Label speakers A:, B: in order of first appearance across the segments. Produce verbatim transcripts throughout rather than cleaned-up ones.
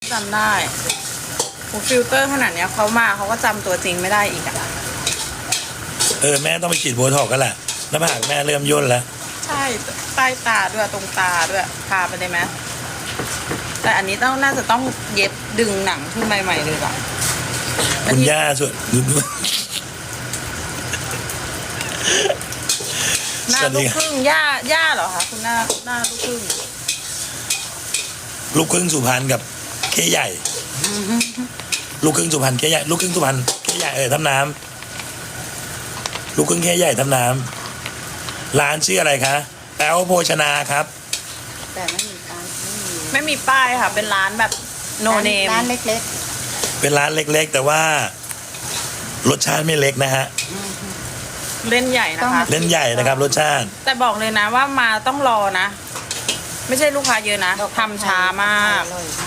A: จำได้โอ้ฟิลเตอร์ขนาดเนี้ยเขามาเขาก็จำตัวจริงไม่ได้อีกอะ
B: เออแม่ต้องไปฉีดโบท็อกซ์กันแหละหน้าผากแม่เริ่มย่นแล้ว
A: ใช่ใต้ตาด้วยตรงตาด้วยพาไปได้ไหมแต่อันนี้ต้องน่าจะต้องเย็บดึงหนังขึ้นใหม่ๆเลยก่อน
B: คุณย่าส่วน
A: หน้าลูกครึ่งย่าย่าเหรอคะคุณหน้าหน้าลูกครึ่ง
B: ลูกครึ่งสุพรรณกับเคใหญ่ลูกครึ่งสุพรรณเคใหญ่ลูกครึ่งสุพรรณเคใหญ่เออทำน้ำลูกครึ่งเคใหญ่ทำน้ำร้านชื่ออะไรคะแป๊วโภชนาครับ
C: แต่ไม่มีร้านไม่มี
A: ไม่มีป้ายค่ะเป็นร้านแบบโนเนม
C: ร้านเล็ก
B: ๆเป็นร้านเล็กๆแต่ว่ารสชาติไม่เล็กนะฮะ
A: เล่นใหญ่นะคะ
B: เล่นใหญ่นะครับรสชาติ
A: แต่บอกเลยนะว่ามาต้องรอนะไม่ใช่ลูกค้าเยอะนะทำช้ามาก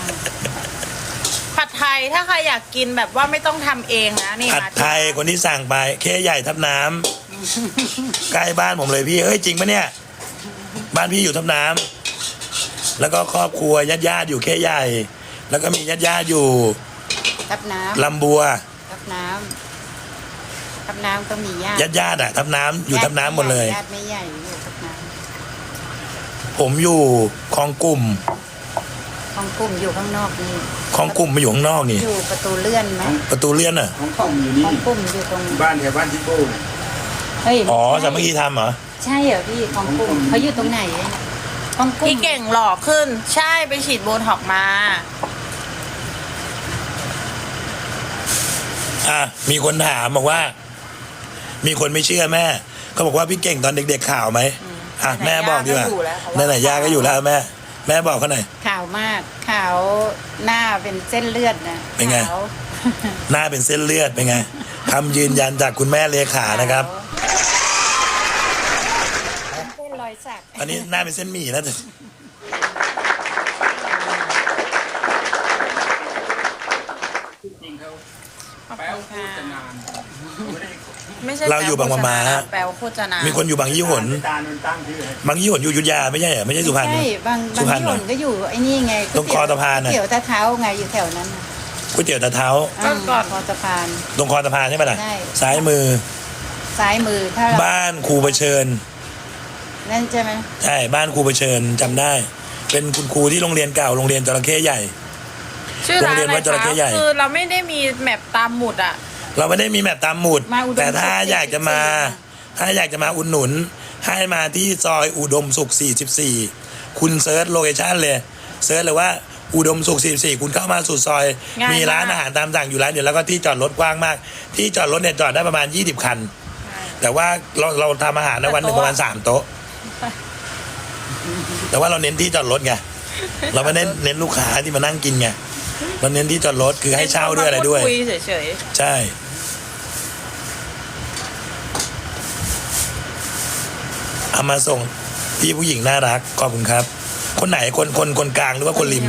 A: ผัดไทยถ้าใครอยากกินแบบว่าไม่ต้องทำเองนะนี่
B: ผัดไทยคนที่สั่งไปเคใหญ่ทับน้ำใกล้บ้านผมเลยพี่เอ้ยจริงปะเนี่ยบ้านพี่อยู่ทับน้ำแล้วก็ครอบครัวญาติญาติอยู่เคใหญ่แล้วก็มีญาติญาติอยู่
C: ทับน้ำ
B: ลำบัว
C: ทับน้ำทับน้ำก็มีญาติ
B: ญาติญาติอะทับน้ำอยู่ทับน้ำหมดเลย
C: ญาติไม่ใหญ่อยู่ทับน้ำ
B: ผมอยู่คลองกลุ่ม
C: คลองกลุ่มอยู่ข้างนอกนี่
B: คลองกลุ่มมาอยู่ข้างนอกนี่
C: อยู่ประตูเลื่อนไหม
B: ประตูเลื่อนอะ
D: คลองกลุ่มอยู่นี่
C: คลองกลุ่มอยู่ตรง
D: บ้านแถวบ้านที่โป้
C: เฮ้ย
B: อ๋อสามัคคีทำเหรอ
C: ใช่เหรอพี่คลองกลุ่มเขาอยู่ตรงไหนคลองกลุ่ม
A: พี่เก่งหล่อขึ้นใช่ไปฉีดโบท็อกซ์มา
B: อ่ะมีคนถามบอกว่ามีคนไม่เชื่อแม่เขาบอกว่าพี่เก่งตอนเด็กๆข่าวไหมอ่ะแม่บอกดีกว่าไหนๆย่าก็อยู่แล้วแม่แม่บอกเขาหน่อย
C: ข่าวมากข่าวหน้าเป็นเส้นเลือดนะ
B: เป็นไงหน้าเป็นเส้นเลือดเป็นไงคำยืนยันจากคุณแม่เลขานะครับ
C: เส้นรอยสัก
B: อันนี้หน้าเป็นเส้นหมี่นะ
A: ไม่ใช่
B: เราอยู่บางมะมา
A: แปลว่าโฆษณา
B: มีคนอยู่บางยี่หนบางยี่หนอยู่อยุธยาไม่ใช่เหรอไม่ใช่สุพรรณ
C: ใช่บางบางยี่หนก็อยู่ไอ้นี่ไง
B: ตรงคอสะพาน
C: ก๋วยเตี๋ยวตาเท้าไงอยู่แถวนั้น
B: ก๋วยเตี๋ยวตาเท้า
A: ก็ก่อน
C: คอสะพาน
B: ตรงคอสะพานใช่ไหมล่ะซ้ายมือ
C: ซ้ายมือถ้า
B: บ้านครูเผชิญ
C: นั่นใช่ไหม
B: ใช่บ้านครูเผชิญจำได้เป็นคุณครูที่โรงเรียนเก่าโรงเรียนจระเข้ใหญ่
A: ชื่อร้านอะไรคะคือเราไม่ได้มีแมปตามหมุดอะ
B: เราไม่ได้มีแมปตามหมุดแต่ถ้าอยากจะมาถ้าอยากจะมาอุดหนุนให้มาที่ซอยอุดมสุขสี่สิบสี่คุณเซิร์ชโลเคชั่นเลยเซิร์ชเลยว่าอุดมสุขสี่สิบสี่คุณเข้ามาสู่ซอยมีร้านอาหารตามสั่งอยู่ร้านเดียวแล้วก็ที่จอดรถกว้างมากที่จอดรถเนี่ยจอดได้ประมาณยี่สิบคันแต่ว่าเราเราทำอาหารในวันหนึ่งประมาณสามโต๊ะแต่ว่าเราเน้นที่จอดรถไงเราไม่ได้เน้นลูกค้าที่มานั่งกินไงเราเน้นที่จอดรถคือให้เช่าด้วยอะไรด้วย
A: คุยเฉย
B: ๆใช่เอามาส่งพี่ผู้หญิงน่ารักขอบคุณครับคนไหนคนคนคนกลางหรือว่าคนริม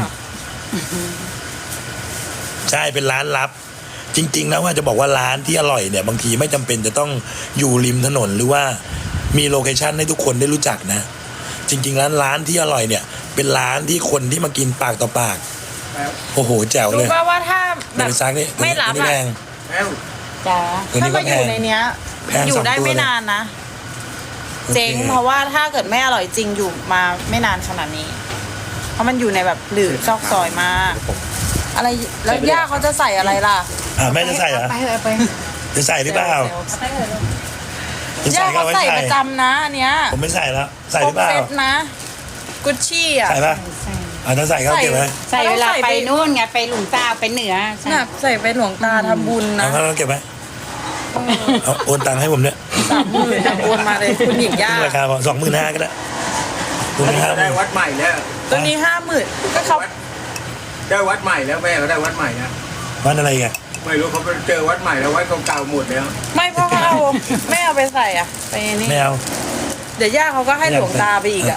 B: ใช่เป็นร้านลับจริงๆแล้วว่าจะบอกว่าร้านที่อร่อยเนี่ยบางทีไม่จำเป็นจะต้องอยู่ริมถนนหรือว่ามีโลเคชั่นให้ทุกคนได้รู้จักนะจริงๆร้านร้านที่อร่อยเนี่ยเป็นร้านที่คนที่มากินปากต่อปากโอ้โหแจ๋วเลย
A: รู้ป่ะว่าถ้าแบบไม่รับอะ
C: จ้า
A: ถ้ามาอยู่ในเนี้ยอยู่ได้ไม่นานนะเจ๊งเพราะว่าถ้าเกิดไม่อร่อยจริงอยู่มาไม่นานขนาดนี้เพราะมันอยู่ในแบบหลืบซอกซอยมากอะไรแล้วย่าเขาจะใส่อะไรล่ะ
B: อ่าแม่จะใส่เหรอ
C: ไปเลยไป
B: จะใส่หรือเปล่า
A: ย่าเขาใส่ประจำนะอันเนี้ย
B: ผมไม่ใส่แล้วใส่หรือเปล่า
A: นะกุชชี่อ่ะ
B: ใส่ป่ะอ่าถ้าใส่เขาเก็บไว้
C: ใส่เวลาไปนู่นไงไปหลวงตาไปเหนือ
A: น่ะใส่ไปหลวงตาทำบุญนะ
B: เอาเขาเก็บไว้เอาโอนตังค์ให้ผมเนี่ย
A: สามหมื่นโอนมาเลยคุณหญิงย่า
B: ราคาพอสองหมื่นห้าก็ได้
D: ได้วัดใหม่แล้ว
A: ตัวนี้ห้าหมื่นก็เขา
D: ได้วัดใหม่แล้วแม่เขาได้วัดใหม่นะ
B: วัดอะไรกัน
D: ไม่รู้เขาไปเจอวัดใหม่แล้ววัดเก่าๆหมดแล้ว
A: ไม่เพราะเขาเอาไม่เอาไปใส่อ่ะไปนี่
B: ไม่เอา
A: เดี๋ยวย่าเขาก็ให้หลวงตาไปอีกอ่ะ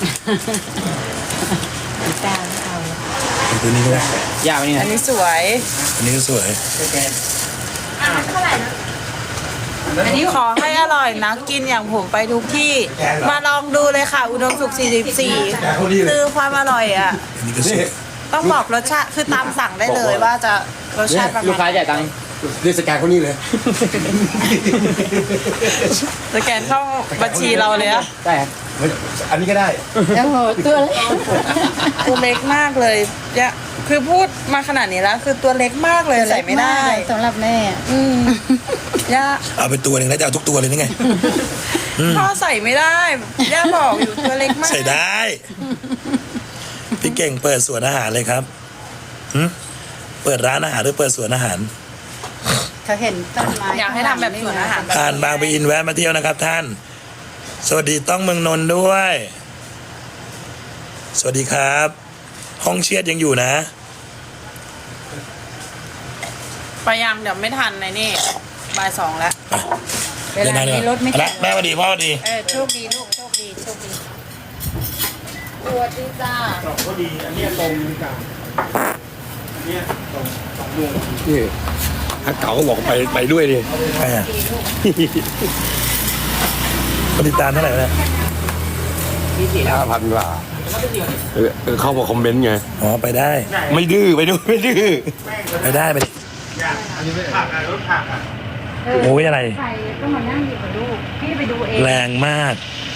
C: ตาเอา
B: ตัวนี้ก็ได้
D: ยาวนี่
A: อันนี้สวย
B: อันนี้ก็สวย
A: เท่าไหร่นะอันนี้ขอให้อร่อยนะกินอย่างผมไปทุกที่มาลองดูเลยค่ะอุดมสุขสี่สิบสี่คือความอร่อยอ่ะ
B: อันนี้ก็สวย
A: ต้องบอกรสชาติคือตามสั่งได้เลยว่าจะรสชาติประ
E: ลูก
A: มา
E: ค้า
A: ณ
E: จ่ายตังค์
F: เรียกสแกนเขานี่เลย
A: สแกนเข้าบัญชีเราเลยอะ
E: ได้ครับ
F: อันนี้ก็ได้
C: โอ้โหตัวเล็ก
A: ตัวเล็กมากเลยเนี่ยคือพูดมาขนาดนี้แล้ว คือตัวเล็กมากเลยใส่ไม่ได้
C: สำหรับแม่
A: อืมย่า
B: เอาไปตัวหนึ่งแล้วจะเอาทุกตัวเลยนี่ไง
A: พ่อใส่ไม่ได้ย่าบอกอยู่ตัวเล็กมาก
B: ใส่ได้ พี่เก่งเปิดสวนอาหารเลยครับหึเปิดร้านอาหารหรือเปิดสวนอาหาร
C: เขาเห็นต้นไม้
A: อยากให้ทำแบบสวนอาหารแบบ
B: ผ่านบางปะอินแวะมาเที่ยวนะครับท่าน สวัสดีต้องเมืองนนท์ด้วย สวัสดีครับ ห้องเชียดยังอยู่นะ
A: ไปยังเดี๋ยวไม่ทันในนี่บ่ายสองแล้ว
C: เวลานี้รถไม่
B: เอา
C: ติ
B: ละ
C: ด
B: แม่สวัสดีพ่อสวัสดี
A: เออโชคดีลูกโชคดีโชคดีสวัสดีจ้า
F: ก็ดี อันนี้ตรงกลางอันนี้ตรงสองดวง
G: นี่ถ้าเก๋าก็บอกไปไปด้วยดิ
B: ใครอ่ะคนติดตามเท่าไหร่แล้วเนี่ย
G: ห้าพันกว่าเออเออเข้ามาคอมเมนต์ไง
B: อ๋อไปได้
G: ไม่ดื้อไปด้วยไม่ดื้อ
B: ไปได้ไปดิ
F: อันนี้ผักอ่ะรถผักอ่ะ
B: โอ้ยอะไร
C: ใครต้องมานั่งอยู่กับลูกพี่ไปดูเอง
B: แรงมาก
C: พ